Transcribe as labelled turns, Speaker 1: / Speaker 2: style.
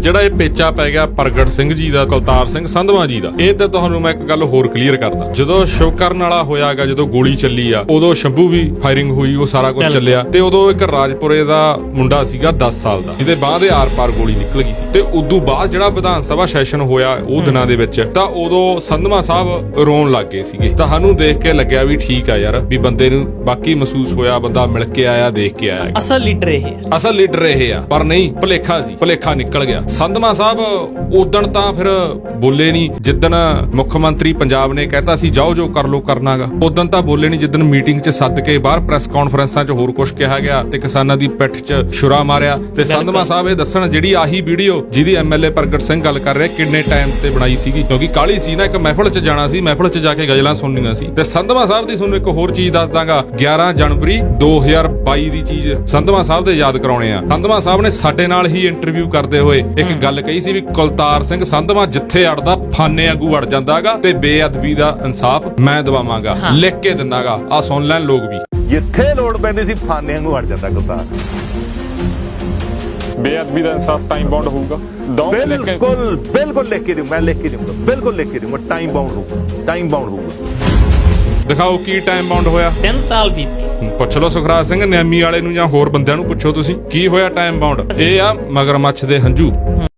Speaker 1: ਜਿਹੜਾ ਇਹ ਪੇਚਾ ਪੈ ਗਿਆ ਪ੍ਰਗਟ ਸਿੰਘ ਜੀ ਦਾ, ਕੁਲਤਾਰ ਸਿੰਘ ਸੰਧਵਾਂ ਜੀ ਦਾ, ਇਹ ਤੇ ਤੁਹਾਨੂੰ ਮੈਂ ਇੱਕ ਗੱਲ ਹੋਰ ਕਲੀਅਰ ਕਰਦਾ। ਜਦੋਂ ਸ਼ੁਕਰਨ ਵਾਲਾ ਹੋਇਆਗਾ, ਜਦੋਂ ਗੋਲੀ ਚੱਲੀ ਆ, ਉਦੋਂ ਸ਼ੰਭੂ ਵੀ ਫਾਇਰਿੰਗ ਹੋਈ, ਉਹ ਸਾਰਾ ਕੁਝ ਚੱਲਿਆ, ਤੇ ਉਦੋਂ ਇੱਕ ਰਾਜਪੁਰੇ ਦਾ ਮੁੰਡਾ ਸੀਗਾ 10 ਸਾਲ ਦਾ, ਜਿਹਦੇ ਬਾਹ ਦੇ ਆਰ-ਪਾਰ ਗੋਲੀ ਨਿਕਲ ਗਈ ਸੀ। ਤੇ ਉਦੋਂ ਬਾਅਦ ਜਿਹੜਾ ਵਿਧਾਨ ਸਭਾ ਸੈਸ਼ਨ ਹੋਇਆ ਉਹ ਦਿਨਾਂ ਦੇ ਵਿੱਚ, ਤਾਂ ਉਦੋਂ ਸੰਧਵਾਂ ਸਾਹਿਬ ਰੋਣ ਲੱਗ ਗਏ ਸੀਗੇ। ਤਾਂ ਸਾਨੂੰ ਦੇਖ ਕੇ ਲੱਗਿਆ ਵੀ ਠੀਕ ਆ ਯਾਰ, ਵੀ ਬੰਦੇ ਨੂੰ ਬਾਕੀ ਮਹਿਸੂਸ ਹੋਇਆ, ਬੰਦਾ ਮਿਲ ਕੇ ਆਇਆ, ਦੇਖ ਕੇ ਆਇਆ,
Speaker 2: ਅਸਲ ਲੀਡਰ ਇਹ
Speaker 1: ਆ। ਪਰ ਨਹੀਂ, ਭੁਲੇਖਾ ਸੀ, ਭੁਲੇਖਾ ਨਿਕਲ ਗਿਆ। ਸੰਧਵਾਂ ਸਾਹਿਬ ਉਦਣ ਤਾਂ ਫਿਰ ਬੋਲੇ ਨਹੀਂ, ਜਿੱਦਣ ਮੁੱਖ ਮੰਤਰੀ ਪੰਜਾਬ ਨੇ ਕਹਿਤਾ ਸੀ ਜਾਓ ਜੋ ਕਰ ਲੋ ਕਰਨਾਗਾ, ਉਦਣ ਤਾਂ ਬੋਲੇ ਨਹੀਂ। ਜਿੱਦਣ ਮੀਟਿੰਗ 'ਚ ਸੱਦ ਕੇ ਬਾਹਰ ਪ੍ਰੈਸ ਕਾਨਫਰੰਸਾਂ 'ਚ ਹੋਰ ਕੁਝ ਕਿਹਾ ਗਿਆ ਤੇ ਕਿਸਾਨਾਂ ਦੀ ਪਿੱਠ 'ਚ ਛੁਰਾ ਮਾਰਿਆ। ਤੇ ਸੰਧਵਾਂ ਸਾਹਿਬ ਇਹ ਦੱਸਣ, ਜਿਹੜੀ ਆਹੀ ਵੀਡੀਓ ਜਿਹਦੀ ਐਮਐਲਏ ਪ੍ਰਗਟ ਸਿੰਘ ਗੱਲ ਕਰ ਰਿਹਾ, ਕਿੰਨੇ ਟਾਈਮ ਤੇ ਬਣਾਈ ਸੀਗੀ, ਕਿਉਂਕਿ ਕਾਲੀ ਸੀ ਨਾ, ਇੱਕ ਮਹਿਫਲ 'ਚ ਜਾਣਾ ਸੀ, ਮਹਿਫਲ 'ਚ ਜਾ ਕੇ ਗਜ਼ਲਾਂ ਸੁਣਨੀਆਂ ਸੀ। ਤੇ ਸੰਧਵਾਂ ਸਾਹਿਬ ਦੀ ਤੁਹਾਨੂੰ ਇੱਕ ਹੋਰ ਚੀਜ਼ ਦੱਸ ਦਾਂਗਾ, 11 ਜਨਵਰੀ 2022 ਦੀ ਚੀਜ਼ ਸੰਧਵਾਂ ਸਾਹਿਬ ਦੇ ਯਾਦ ਕਰਾਉਣੇ ਆ। ਸੰਧਵਾਂ ਸਾਹਿਬ ਨੇ ਸਾਡੇ ਨਾਲ ਹੀ ਇੰਟਰਵਿਊ ਕਰਦੇ ਹੋਏ ਇੱਕ ਗੱਲ ਕਹੀ ਸੀ ਵੀ ਕੁਲਤਾਰ ਸਿੰਘ ਸੰਧਵਾਂ ਜਿੱਥੇ ਅੜਦਾ ਫਾਨੇ ਆਗੂ ਅੜ ਜਾਂਦਾਗਾ, ਤੇ ਬੇਅਦਬੀ ਦਾ ਇਨਸਾਫ ਮੈਂ ਦਵਾਵਾਂਗਾ, ਲਿਖ ਕੇ ਦਿੰਨਾਗਾ। ਆ ਸੁਣ ਲੈਣ ਲੋਕ ਵੀ,
Speaker 3: ਜਿੱਥੇ ਲੋੜ ਪੈਂਦੀ ਸੀ ਫਾਨੇ ਵਾਂਗੂ ਅੜ ਜਾਂਦਾ ਕੁਲਤਾਰ।
Speaker 4: ਬੇਅਦਬੀ ਦਾ ਇਨਸਾਫ ਟਾਈਮ ਬਾਉਂਡ ਹੋਊਗਾ।
Speaker 3: ਬਿਲਕੁਲ ਲਿਖ ਕੇ ਦੂੰ, ਮੈਂ ਲਿਖ ਕੇ ਦੂੰਗਾ, ਬਿਲਕੁਲ ਲਿਖ ਕੇ ਦੂੰਗਾ, ਟਾਈਮ ਬਾਉਂਡ ਹੋਊਗਾ, ਟਾਈਮ ਬਾਉਂਡ ਹੋਊਗਾ।
Speaker 1: ਦਿਖਾਓ ਕੀ ਟਾਈਮ ਬਾਉਂਡ ਹੋਇਆ।
Speaker 2: 3 ਸਾਲ ਬੀਤ ਗਏ।
Speaker 1: ਪੁੱਛ ਲਓ ਸੁਖਰਾਜ ਸਿੰਘ ਨਿਆਮੀ ਵਾਲੇ ਨੂੰ ਜਾਂ ਹੋਰ ਬੰਦਿਆਂ ਨੂੰ ਪੁੱਛੋ ਤੁਸੀਂ, ਕੀ ਹੋਇਆ ਟਾਈਮ ਬਾਉਂਡ। ਇਹ ਆ ਮਗਰਮੱਛ ਦੇ ਹੰਝੂ।